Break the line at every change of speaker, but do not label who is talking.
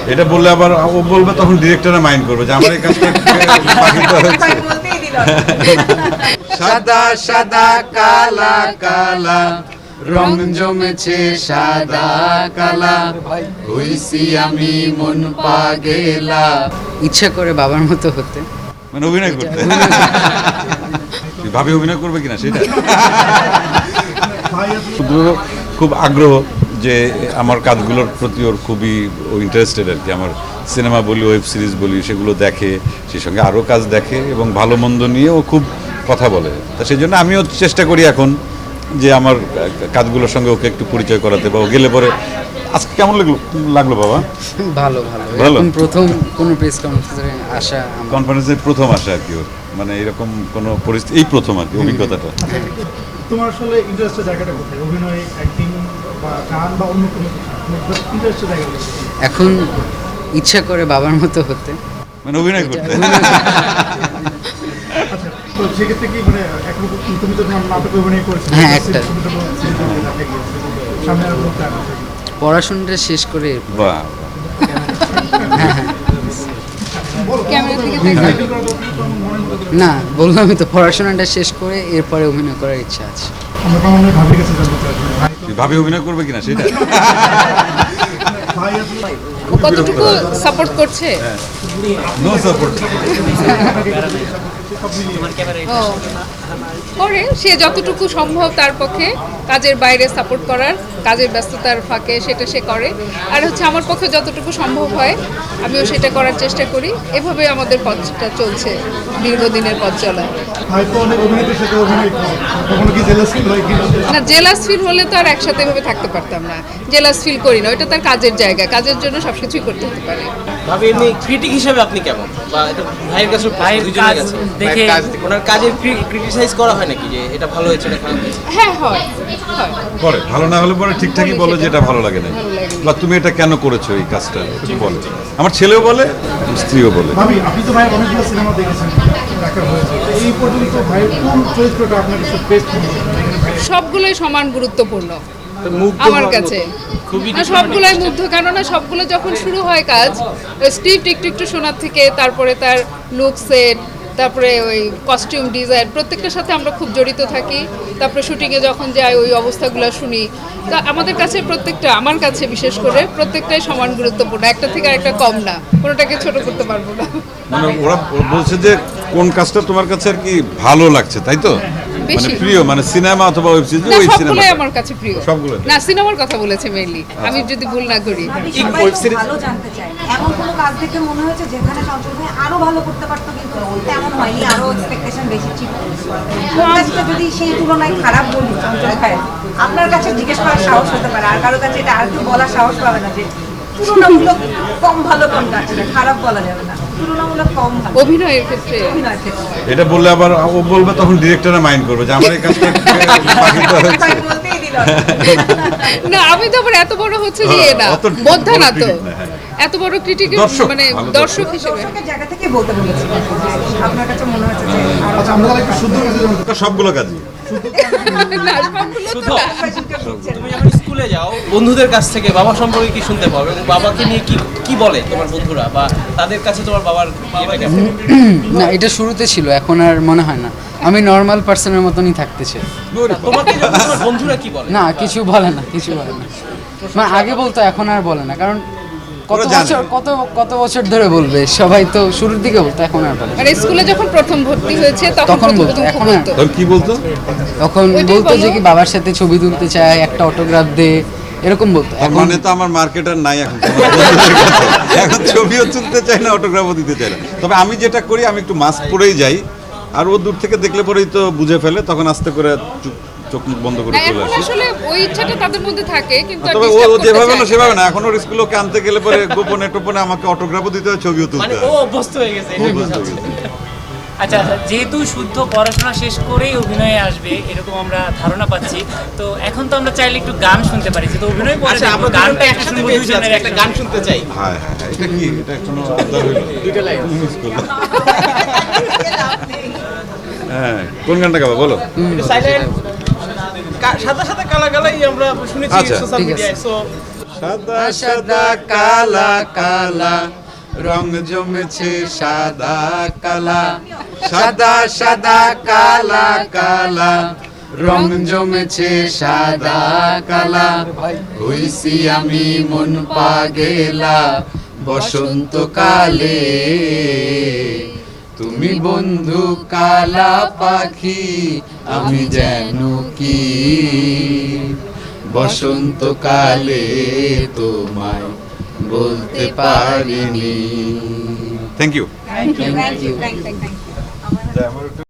এটা বললে আবার ও বলবে, তখন ডিরেক্টরে মাইন্ড করবে যে আমার এই কাজটা বাকিটা হচ্ছে। সাদা সাদা কালা কালা রং জমেছে সাদা কালা, হইছি আমি মন পাগেলা।
ইচ্ছা করে বাবার মতো হতে,
মানে অভিনয় করতে। ভাবি অভিনয় করবে কিনা সেটা শুধু খুব আগ্রহ যে আমার কাজগুলোর প্রতি ওর খুবই ইন্টারেস্টেড আর কি। আমার সিনেমা বলি, ওয়েব সিরিজ বলি, সেগুলো দেখে, সেই সঙ্গে আরও কাজ দেখে এবং ভালো মন্দ নিয়ে ও খুব কথা বলে। তা সেই জন্য আমিও চেষ্টা করি এখন যে আমার কাজগুলোর সঙ্গে ওকে একটু পরিচয় করাতে, বা ও গেলে পরে। আজকে কেমন লাগলো বাবা?
ভালো ভালো
ভালো?
এখন প্রথম কোনো প্রেস কনফারেন্সে আসা,
কনফারেন্সের প্রথম আসা আর কি ওর, মানে এরকম কোনো পরিস্থিতি এই প্রথম আর কি অভিজ্ঞতাটা।
তোমার আসলে ইন্টারেস্টের জায়গাটা কোথায়? অভিনয়, অ্যাক্টিং বা গান বা অন্য কোনো ইন্টারেস্টের জায়গা কোথায়?
এখন ইচ্ছা করে বাবার মতো হতে,
মানে অভিনয় করতে।
আচ্ছা, তো সেক্ষেত্রে কি মানে একরকম তুমি তো নাটকে অভিনয় করেছো?
হ্যাঁ, একটা।
সামনে আরো প্ল্যান আছে?
পড়াশোনাটা শেষ করে
বাহ,
সাইকেল করা দরকার তো আমার মনে হতো।
না, বললামই তো পড়াশোনাটা শেষ করে এরপরে অভিনয় করার ইচ্ছা আছে।
আমরা তো মনে হয় ভাবির কাছে জানতে চাই ভাই তো
ভাবি অভিনয় করবে কিনা সেটা
ভাই আসলে
কতটুকু সাপোর্ট করছে?
No support.
ও, করে সে যতটুকু সম্ভব তার পক্ষে কাজের বাইরে সাপোর্ট করার, কাজের ব্যস্ততার ফাঁকে সেটা সে করে। আর হচ্ছে আমার পক্ষে যতটুকু সম্ভব হয় আমিও সেটা করার চেষ্টা করি। এভাবে আমাদের পথটা চলছে, দীর্ঘদিনের পথ চলা।
ভাই তো অনেক অভিনেতার সাথে অভিনয় করে, কখনো কি জেলাস ফিল হয় কি?
না, জেলাস ফিল হলে তো আর একসাথে এভাবে থাকতে পারতাম না। জেলাস ফিল করি না, ওইটা তার কাজের জায়গা, কাজের জন্য সব কিছুই করতে হতে পারে।
ভাবি এমনি ক্রিটিক হিসেবে আপনি কেমন, বা এটা ভাইয়ের কাছে দুজনের কাছে
দেখে-
ওনার কাজের ক্রিটিসাইজ করা হয় নাকি যে এটা ভালো হয়েছে না খারাপ হয়েছে?
হ্যাঁ, হয় হয়।
করে ভালো না হলে পরে ঠিকঠাকই বলো যে এটা ভালো লাগে না,
ভালো লাগে না।
বা তুমি এটা কেন করেছো এই কাজটা, একটু বলো। আমার ছেলেও বলে, স্ত্রীও বলে।
ভাবি আপনি তো ভাই অনেকগুলো সিনেমা দেখেছেন, দেখা হয়েছে, এই পর্যন্ত ভাই কোন চরিত্রটা আপনার কাছে বেস্ট মনে হয়?
সবগুলোই সমান গুরুত্বপূর্ণ
মুগ্ধ
আমার
হওয়ার
কাছে।
মতো। খুবই
না, সবগুলোই মুগ্ধ, কেননা সবগুলো যখন শুরু হয় কাজ, স্ক্রিপ্ট একটু একটু শোনার থেকে তারপরে তার লুক সেট, তারপরে ওই কস্টিউম ডিজাইন, প্রত্যেকটার সাথে আমরা খুব জড়িত থাকি। তারপরে শুটিংয়ে যখন যাই ওই অবস্থাগুলো শুনি। তা আমাদের কাছে প্রত্যেকটা, আমার কাছে বিশেষ করে প্রত্যেকটাই সমান গুরুত্বপূর্ণ, একটা থেকে আরেকটা কম না, কোনোটাকে ছোট করতে পারবো না।
মানে ওরা বলছে যে কোন কাজটা তোমার কাছে আর কি ভালো লাগছে, তাই তো? মানে
বেশি।
প্রিয়, মানে সিনেমা অথবা ওয়েব সিরিজ,
না,
ওই সিনেমা
সবগুলোই আমার কাছে প্রিয়।
সবগুলো?
না, সিনেমার কথা বলেছে মেইনলি, আমি যদি ভুল না করি।
সবাই তো ভালো জানতে চায়। এমন কোনো কাজ দেখে মনে হয়েছে যেখানে চঞ্চল ভাই আরো ভালো করতে পারতো, কিন্তু তেমন হয়নি, আরো এক্সপেকটেশন বেশি ছিল। কোন কাজটা যদি সেই তুলনায় খারাপ বলি চঞ্চল ভাই, আপনার কাছে জিজ্ঞেস করার সাহস হতে পারে, আর কারো কাছে এটা আর কেউ বলার সাহস পাবে না যে তুলনামূলক কম ভালো কোনটা, সেটা খারাপ বলা যাবে না, তুলনামূলক কম ভালো
অভিনয়ের ক্ষেত্রে
অভিনয়ের ক্ষেত্রে।
এটা বললে আবার ও বলবে, তখন ডিরেক্টরে মাইন্ড করবে যে আমার এই কাজটা বাকিটা হচ্ছে।
ভাই বলতেই দিল না।
না, আমি তো আবার এত বড় হচ্ছে যে না,
অত
বোদ্ধা না
বড়
তো,
critic না, হ্যাঁ।
এত বড় ক্রিটিক,
দর্শক,
মানে
ভালো
দর্শক হিসেবে।
দর্শকের জায়গা থেকে বলতে বলেছি যে আপনার কাছে মনে হচ্ছে যে আরো
আচ্ছা, আমরা তাহলে একটু শুদ্ধ কাছে জানতে
তো সবগুলো কাজই
না, সবগুলো তো
শুধু
না।
তুমি যখন স্কুলে যাও বন্ধুদের কাছ থেকে বাবা সম্পর্কে কি শুনতে পাও, এবং বাবাকে নিয়ে কি কি বলে তোমার বন্ধুরা, বা তাদের কাছে তোমার বাবার ইয়েটা কেমন?
না, এটা শুরুতে ছিল, এখন আর মনে হয় না। আমি নর্মাল পার্সনের মতনই থাকতে চাই।
তোমাকে যখন তোমার বন্ধুরা কি বলে?
না, কিছু বলে না, কিছু বলে না। মানে আগে বলতো, এখন আর বলে না, কারণ কত
ওরা জানে।
বছর কত বছর ধরে বলবে, সবাই তো শুরুর দিকে বলতো, এখন আর বলে না।
মানে স্কুলে যখন প্রথম ভর্তি হয়েছে তখন
তখন
প্রথম
বলতো,
প্রথম
এখন
বলতো।
তখন কি বলতো?
তখন
ওইটাই
বলতো যে
বলো।
কি বাবার সাথে ছবি তুলতে চায়, একটা অটোগ্রাফ দে, এরকম বলতো।
তার
এখন
মানে তো আমার মার্কেটার নাই এখন তোমার বন্ধুদের কাছে। এখন ছবিও তুলতে চাই না, অটোগ্রাফও দিতে চাই না। তবে আমি যেটা করি, আমি একটু মাস্ক পরেই যাই, আর ও দূর থেকে দেখলে পরেই তো বুঝে ফেলে, তখন আস্তে করে চোখ মুখ বন্ধ করে
না,
চলে
এখন
আসে।
আসলে ওই ইচ্ছাটা তাদের মধ্যে থাকে, কিন্তু আর
তবে ও
disturb
ও
করতে
যেভাবে
চায়
হলো
না।
সেভাবে না, এখন ওর স্কুলে ওকে আনতে গেলে পরে গোপনে টোপনে আমাকে অটোগ্রাফও দিতে হয়, ছবিও
মানে
তুলতে
ও
হয়।
অভ্যস্ত হয়ে গেছে
ও
এটাই
বুঝতে
বোঝাচ্ছে।
গেছে।
আচ্ছা আচ্ছা, যেহেতু শুদ্ধ পড়াশোনা শেষ করেই অভিনয়ে আসবে এরকম আমরা ধারণা পাচ্ছি, তো এখন তো আমরা চাইলে একটু গান শুনতে পারি, যেহেতু অভিনয় করে
আচ্ছা, আমরা
গানটা
গানটা
একটু
একসাথে
শুনবো,
পেয়েছি,
দুজনের
একটা গান শুনতে চাই।
হ্যাঁ হ্যাঁ হ্যাঁ, এটা কি, এটা কোনো আবদার হইলো?
দুইটা লাইন।
মিস করলাম। হ্যাঁ, কোন গানটা গাবো বলো?
সাইলেন্ট সাদা সাদা কালা কালাই আমরা শুনেছি
আচ্ছা,
সোশ্যাল
ঠিক আছে।
মিডিয়ায়। সো
সাদা সাদা কালা কালা রং জমেছে সাদা কালা, সাদা সাদা কালা কালা রং জমেছে সাদা কালা, হইছি আমি মন পাগেলা বসন্তকালে, তুমি বন্ধু কালা পাখি আমি যেন কি বসন্তকালে তোমায় বলতে পারিনি। Thank you.
Thank you thank you.
আমার একটু